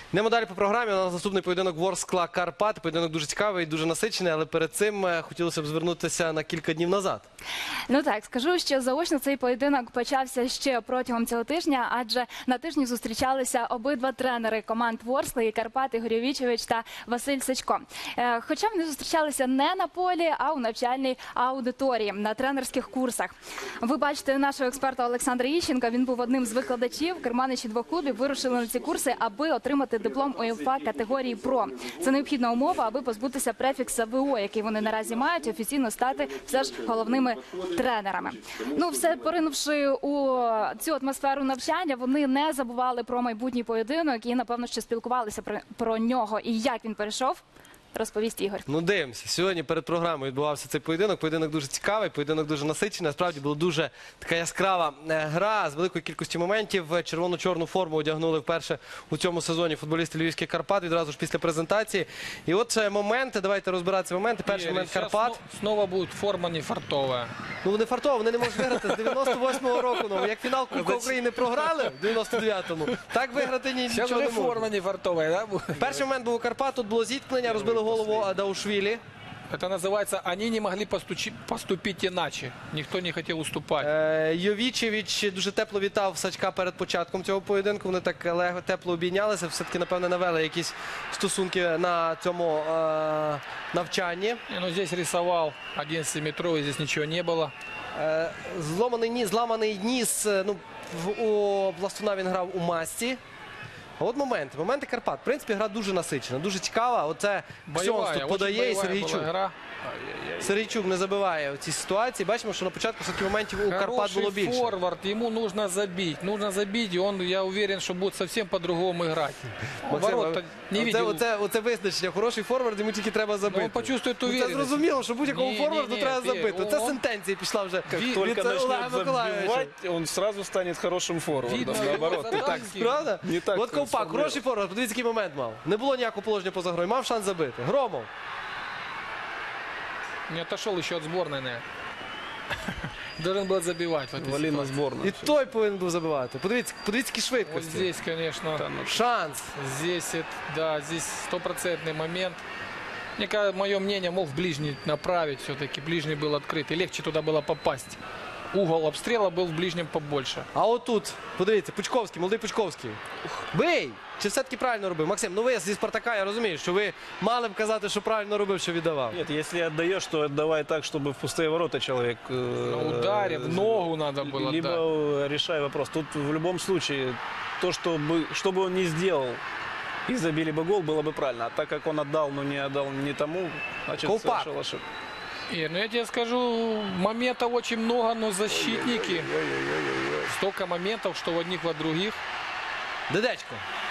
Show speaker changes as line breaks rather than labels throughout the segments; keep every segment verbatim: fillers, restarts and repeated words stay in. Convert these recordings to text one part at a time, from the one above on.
Йдемо далі по програмі. У нас наступний поєдинок Ворскла Карпати. Поєдинок дуже цікавий, дуже насичений, але перед цим хотілося б звернутися на кілька днів назад.
Ну так, скажу, що заочно цей поєдинок почався ще протягом цього тижня, адже на тижні зустрічалися обидва тренери команд Ворскли і Карпат, Ігор Йовічевич та Василь Сачко. Хоча вони зустрічалися не на полі, а у навчальній аудиторії, на тренерських курсах. Ви бачите нашого експерта Олександра Іщенка, він був одним з викладачів. Керманичі двох клубів вирушили на ці курси, аби отримати диплом УЄФА категорії «Про». Це необхідна умова, аби позбутися префікса ВО, який вони наразі мають, офіційно стати все ж головними тренерами. Ну, все поринувши у цю атмосферу навчання, вони не забували про майбутній поєдинок і, напевно, ще спілкувалися про, про нього. І як він перейшов, розповість Ігор.
Ну, дивимося. Сьогодні перед програмою відбувався цей поєдинок. Поєдинок дуже цікавий, поєдинок дуже насичений. Насправді була дуже така яскрава гра з великою кількістю моментів. Червоно-чорну форму одягнули вперше у цьому сезоні футболісти Львівських Карпат відразу ж після презентації. І от моменти, давайте розбиратися моменти. Перший момент Карпат.
Знову буде форма не фартова.
Ну, не фартова, вони не можуть виграти з дев'яносто восьмого року. Ну, як фінал Кубка України програли в дев'яносто дев'ятому, так виграти нічого не можуть.
Форма не фартова, да?
Перший момент був у Карпат, тут було зіткнення, розбили голову Даушвілі.
Это называется, они не могли постучи, поступить иначе. Никто не хотел уступать.
Е, Йовічевич дуже тепло вітав Сачка перед початком цього поєдинку. Вони так легко, тепло обійнялися. Все-таки, напевне, навели якісь стосунки на цьому е, навчанні.
Не, ну, здесь рисовал одиннадцатиметровый, здесь ничего не было.
Е, зломаний ніс, зламаний ніс. Ну, в, у Пластуна він грав у масці. А от моменти. Моменти Карпат. В принципі, гра дуже насичена, дуже цікава. Оце Ксьонс тут подає і Сергійчук. Сергійчук не забиває в цій ситуації. Бачимо, що на початку все-таки моментів у Карпат було більше.
Хороший форвард, ему нужно забить. Нужно забить, и он, я уверен, что будет совсем по-другому играть.
Максим, не оце, оце, оце визначення. Хороший форвард, йому тільки треба забити.
Ну, он почувствует уверенность.
Це зрозуміло, що будь-якому
не,
форварду
не, не,
треба
не,
забити.
он,
Це сентенція пішла вже.
Как
від
только
Олега
начнет забивать, он сразу станет хорошим форвардом.
Видно,
Наоборот.
его
Так,
Правда?
не так
От Ковпак,
сформулировал.
хороший форвард, подивіться, який момент мав. Не було ніякого положення поза грою, мав шанс забити. Громов.
Не отошел еще от сборной, наверное. Должен был забивать.
Вали на сборную.
І той повинен був забивати. Подивіться, подивіться, які
Вот
швидкості.
здесь, конечно,
Шанс.
здесь, это, да, здесь стопроцентный момент. Мне кажется, мое мнение, мог в ближний направить все-таки. Ближний был открыт, и легче туда было попасть. Угол обстрела был в ближнем побольше.
А отут, подивіться, Пучковський, молодий Пучковський. Бий! Чи все-таки правильно робив? Максим, ну ви зі Спартака, я розумію, що ви мали б казати, що правильно робив, що віддавав.
Нет, если отдаешь, то отдавай так, чтобы в пустые ворота человек... э,
На ударе, в ногу надо было,
Либо
да.
решай вопрос. Тут в любом случае, то, чтобы, что бы он ни сделал, и забили бы гол, было бы правильно. А так как он отдал, но не отдал не тому, значит,
Колпак.
совершил ошибку.
Ир, ну я тебе скажу, моментов очень много, но защитники. Столько моментов, что в одних, в других.
Дедечко.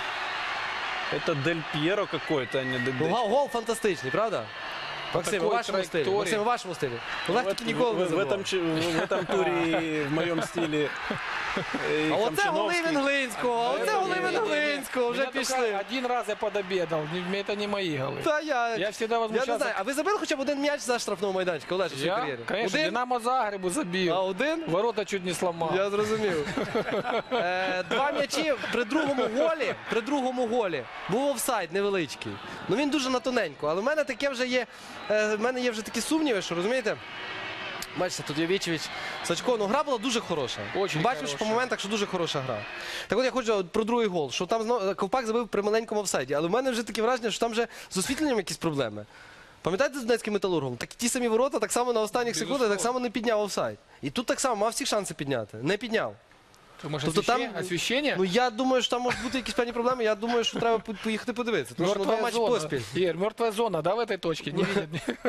Это Дель Пьеро какой-то, а не
Ну,
Дедечко.
гол, гол фантастичний, правда? Максим, у
такой
вашому стилі.
траєкторії.
Максим, у вашому стилі. Олег
Вот
таки ніколи не
в, в,
забував.
этом, ч- в этом туре и в моем стиле. и
А оце голи
Хамчиновский.
Венглинського, а оце голи Венглинського, вже
Меня только
пішли.
один раз я подобедал, не- это не мои голы.
Та я,
Я всегда
я не
возмущался.
знаю, а ви забили хоча б один м'яч за штрафного майданчика, Олеж, у своїй
Я,
кар'єрі?
конечно,
Один?
Динамо Загребу забил.
А один?
Ворота чуть не сломал.
Я зрозумів. Е, Два м'ячі при другому голі, при другому голі був офсайд невеличкий. Ну він дуже на тоненько, але в мене таке вже є, е, в мене є вже такі сумніви, що розумієте? Бачите, тут Йовічевич, Сачко, ну гра була дуже хороша.
Очень
Бачиш по
хороша.
моментах, що дуже хороша гра. Так от я хочу от про другий гол, що там знову Ковпак забив при маленькому офсайді, але в мене вже таке враження, що там вже з освітленням якісь проблеми. Пам'ятаєте з Донецьким Металургом? Так ті самі ворота, так само на останніх секундах, так само не підняв офсайд. І тут так само мав всі шанси підняти, не підняв.
Ты, может,
Тобто там-
освещение? Освещение?
Ну я думаю, що там можуть бути якісь певні проблеми, я думаю, що треба по- поїхати подивитися. Тому що ну, два матчі поспіль.
Ир, мертвая зона, да, в этой точке? Не видят?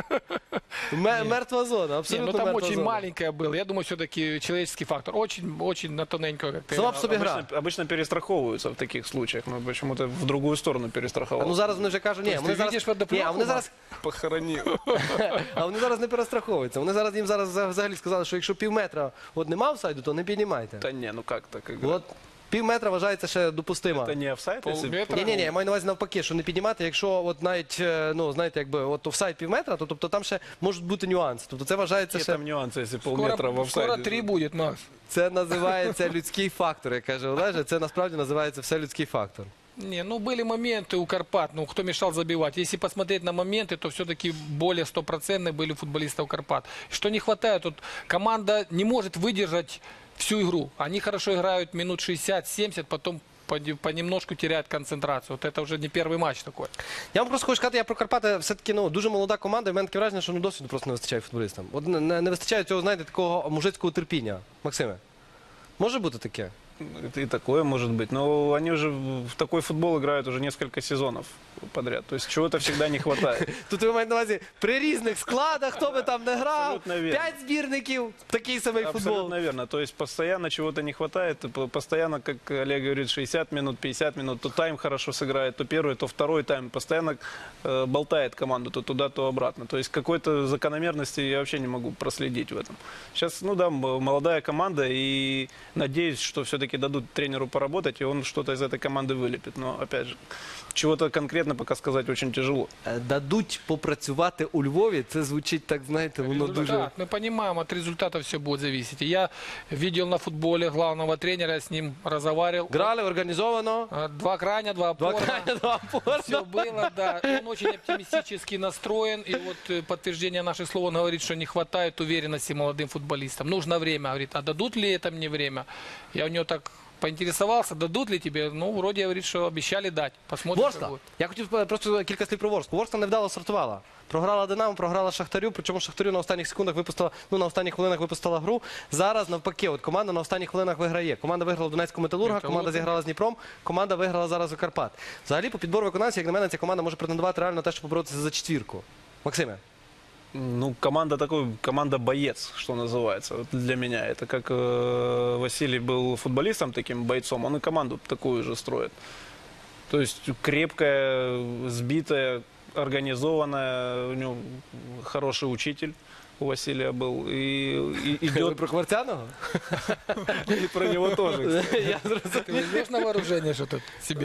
Ме- Мертва зона,
Не,
абсолютно
ну там
мертва
очень
зона.
маленькая была. Я думаю, все-таки человеческий фактор. Очень, очень на тоненькую, как ты.
Сама по собі гра.
Обычно, обычно перестраховываются в таких случаях, но почему-то в другую сторону
А
перестраховал.
ну зараз вони вже кажуть, ні,
Тобто
вони
ти
зараз,
видиш водопровод?
ні, а вони зараз,
Похоронил.
а вони зараз не перестраховуються. Вони зараз їм зараз взагалі сказали, що якщо пів метра от нема офсайду, то не піднімайте.
Да не, ну как так играть?
От пів метра вважається ще допустимо.
Это не офсайд, если...
Полметра.
Ні, ні, ні, я маю на увазі навпаки, що не піднімати, якщо от навіть, е, ну, знаєте, якби от офсайд пів метра, то тобто там ще можуть бути нюанси. Тобто це вважається
Какие
ще,
там нюансы, если полметра в
Скоро,
офсайде?
скоро три будет, Макс.
це називається людський фактор, як каже Олеже, це насправді називається все людський фактор.
Не, ну были моменты у Карпат, ну кто мешал забивать. Если посмотреть на моменты, то все-таки более стопроцентные были у футболистов Карпат. Что не хватает, вот команда не может выдержать всю игру. Они хорошо играют минут шестьдесят-семьдесят, потом поди- понемножку теряют концентрацию. Вот это уже не первый матч такой.
Я вам просто хочу сказати, я про Карпати все-таки ну, дуже молода команда, і в мене таке враження, що ну, досвіду просто не вистачає футболістам. От не, не, не вистачає цього, знаєте, такого мужицького терпіння. Максиме, може бути таке?
Это и такое может быть. Но они уже в такой футбол играют уже несколько сезонов подряд. То есть чего-то всегда не хватает.
Тут ви маєте на увазі при різних складах, хто би там не грав,
Абсолютно вірно.
п'ять збірників, такий самий футбол.
Абсолютно верно. То есть постоянно чего-то не хватает. П- Постоянно, как Олег говорит, шестьдесят минут, пятьдесят минут. То тайм хорошо сыграет, то первый, то второй тайм. Постоянно э, болтает команду то туда, то обратно. То есть какой-то закономерности я вообще не могу проследить в этом. Сейчас, ну да, м- молодая команда. И надеюсь, что все-таки дадут тренеру поработать, и он что-то из этой команды вылепит. Но, опять же, чего-то конкретно пока сказать очень тяжело.
Е, Дадуть попрацювати у Львові, це звучить так, знаєте, воно дуже...
Результат. Мы понимаем, от результата все будет зависеть. И я видел на футболе главного тренера, я с ним разговаривал.
Грали організовано,
А, Два крайня, два
два
опорна.
крайня, два опорна.
Все было, да. И он очень оптимистически настроен. И вот э, подтверждение наших слов, он говорит, что не хватает уверенности молодым футболистам. Нужно время. Говорит, а дадут ли это мне время? Я у него так поинтересовался, дадут ли тебе? Ну, вроде говорит, что обещали дать. Посмотрим, что
Ворскла.
будет.
Я хотів е, просто кілька слів про Ворсклу. Ворскла невдало стартувала. Програла Динамо, програла Шахтарю, причому Шахтарю на останніх секундах випустила, ну на останніх хвилинах випустила гру. Зараз навпаки, от команда на останніх хвилинах виграє. Команда виграла у Донецького Металурга,
Металург.
команда зіграла з Дніпром, команда виграла зараз у Карпат. Взагалі, по підбору виконавців, як на мене, ця команда може претендувати реально на те, щоб поборотися за четвірку. Максиме.
Ну, команда такой, команда-боец, что называется, вот для меня. Это как э, Василий был футболистом, таким бойцом, он и команду такую же строит. То есть крепкая, сбитая, организованная, у него хороший учитель у Василия был. И, и
Ви
идет
про Кварцяного?
и про него тоже.
Я зрозумів.
Ты возьмешь на вооружение что-то себе?